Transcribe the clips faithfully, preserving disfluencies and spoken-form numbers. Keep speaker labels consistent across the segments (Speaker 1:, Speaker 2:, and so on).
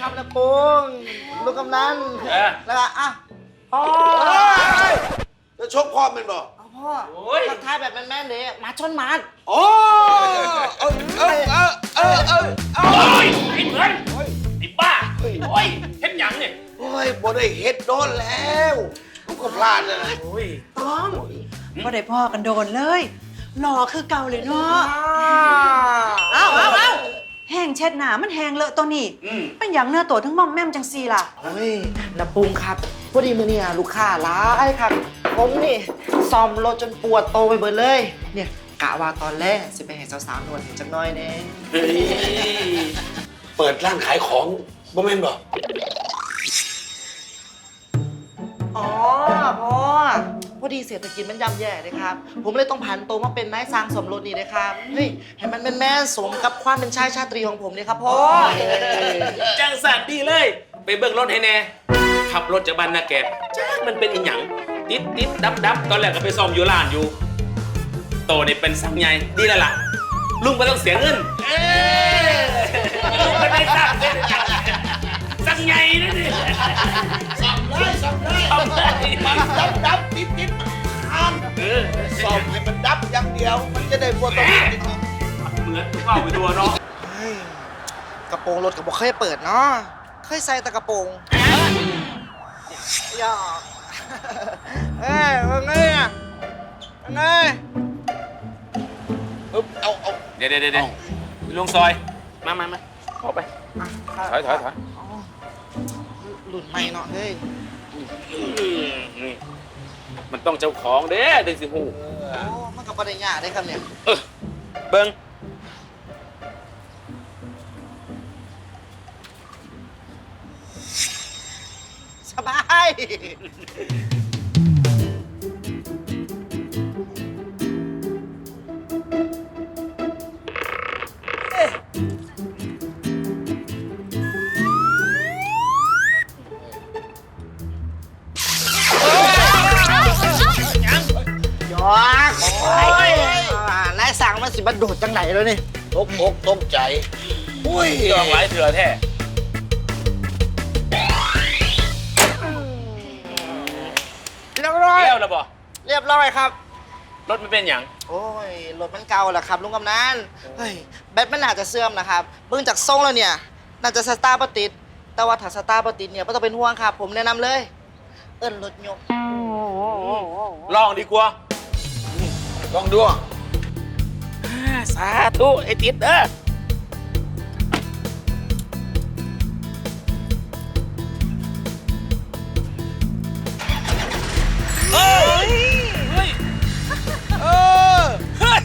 Speaker 1: ครับนะปุงลูกกำนันแล้วก็อ่ะพ่อ
Speaker 2: จะชกพ่อมันบ่
Speaker 1: พ่อทักทายแบบแม่นๆเลยมาชนมาด
Speaker 2: โอ้เออเออเออเออเออเออ
Speaker 3: โอ้ยไอ้เหมือนไอ้บ้าโอ้ยเฮ็ดหยังเนี่ย
Speaker 2: โอ้ยบ่ได้เฮ็ดโดนแล้วลูกก็พลาดเลย
Speaker 3: โอ้ย
Speaker 4: ต้องบ่ได้พ่อกันโดนเลยหล่อคือเก่าเลยเนาะเอ้าเอ้าเอ้าแห้งเช็ดหนามันแห้งเลอะตัวนี้เป็นอย่างเนื้อตัวทั้งม่อมแม่มจังซีล่ะ
Speaker 1: เฮ้ยนะปุงครับพอดีมือเนี่ยลูกค้าร้ายครับผมนี่ซ่อมรถจนปวดโตไปเบิดเลยเนี่ยกะว่าตอนแรกสิไปให้สาวๆนวดเห็นจักน้อยเน่
Speaker 2: เปิดร้านขายของบ่แม่นบ่
Speaker 1: อ๋อพ่อพอดีเศรษฐกิจมันย่ำแย่เลยครับผมเลยต้องผันตัวมาเป็นนายสร้างสมรสนี่เลยครับเฮ้ยให้มันเป็นแม่สมกับความเป็นชายชาตรีของผมเลยครับพ่อ
Speaker 3: จังสันดีเลยไปเบิ่งรถให้แน่ขับรถจากบ้านนาแกจ้ามันเป็นอีหยังติดติดดับดับตอนแรกก็ไปซ่อมอยู่ร้านอยู่โตนี่เป็นสังใหญ่ดีแล้วล่ะลุงไม่ต้องเสียเงินเอ้ลุงไม่ได้สังเงินสังใหญ่นะนี่
Speaker 2: ซ่อมได้ซ่อมได้
Speaker 3: ซ่อมได้
Speaker 2: มันดับดับติดติดข้ามซ่อมให้มันดับอย่างเดียวมันจะได้บ่ต้องติด
Speaker 3: เหมือนเข้าไปตัวเนาะ
Speaker 1: กระโปรงรถกับบอกเคยเปิดเนาะเคยใส่แต่กระโปรงอย่าเอ้ยว่าไงอ่ะว่าไง
Speaker 2: เอาเอา
Speaker 3: เดี๋ยวเดี๋ยวเดี๋ยวลุงซอยมามามาเข้าไปถอยถอยถอย
Speaker 1: หลุดไม่เนาะเฮ้ย
Speaker 3: นี่มันต้องเจ้าของเด้อดึงสิหู
Speaker 1: โอ้มันกับประเด็นยากได้ครับเนี่ย
Speaker 3: เออเบิ้ง
Speaker 1: สบายยอกโอ้ยนายสั่งมันสิบันโดดจังไหนแล้วนี่
Speaker 2: ตกอกตกใจอุ้ย
Speaker 3: ต้องหลายเถื่อแท้
Speaker 1: เรียบร้อย
Speaker 3: เลี้ยวแล้วบ่
Speaker 1: เรียบร้อยครับ
Speaker 3: รถไม่เป็นอย่าง
Speaker 1: โอ้ยรถมันเก่าแหละครับลุงกำนันเฮ้ยแบตมันน่าจะเสื่อมนะครับเบิ่งจากทรงแล้วเนี่ยน่าจะสตาร์ทบ่ติดแต่ว่าถ้าสตาร์ทบ่ติดเนี่ยไม่ต้องเป็นห่วงครับผมแนะนำเลยเอิ้นรถยก
Speaker 3: ลองดีกว่า
Speaker 2: ลองดู
Speaker 3: สาธุไอ้ติดเด้อเฮ้ยเฮ้ยเออเฮ้ย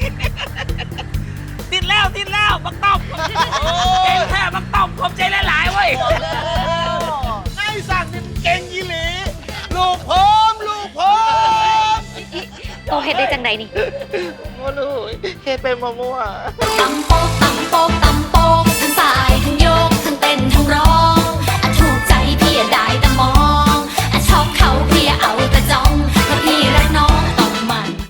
Speaker 3: ติดแล้วติดแล้วบักต้อมเก่งแท้บักต้อมผมใจหลายๆเว้ย
Speaker 2: ไอ้สั่งนี่เก่งยี่หลีลูกผมลูกผม
Speaker 5: โตเฮ็ดได้จังใดนี่
Speaker 1: โอ้ลูกเฮ็ดเป็นมั่ว
Speaker 5: ๆ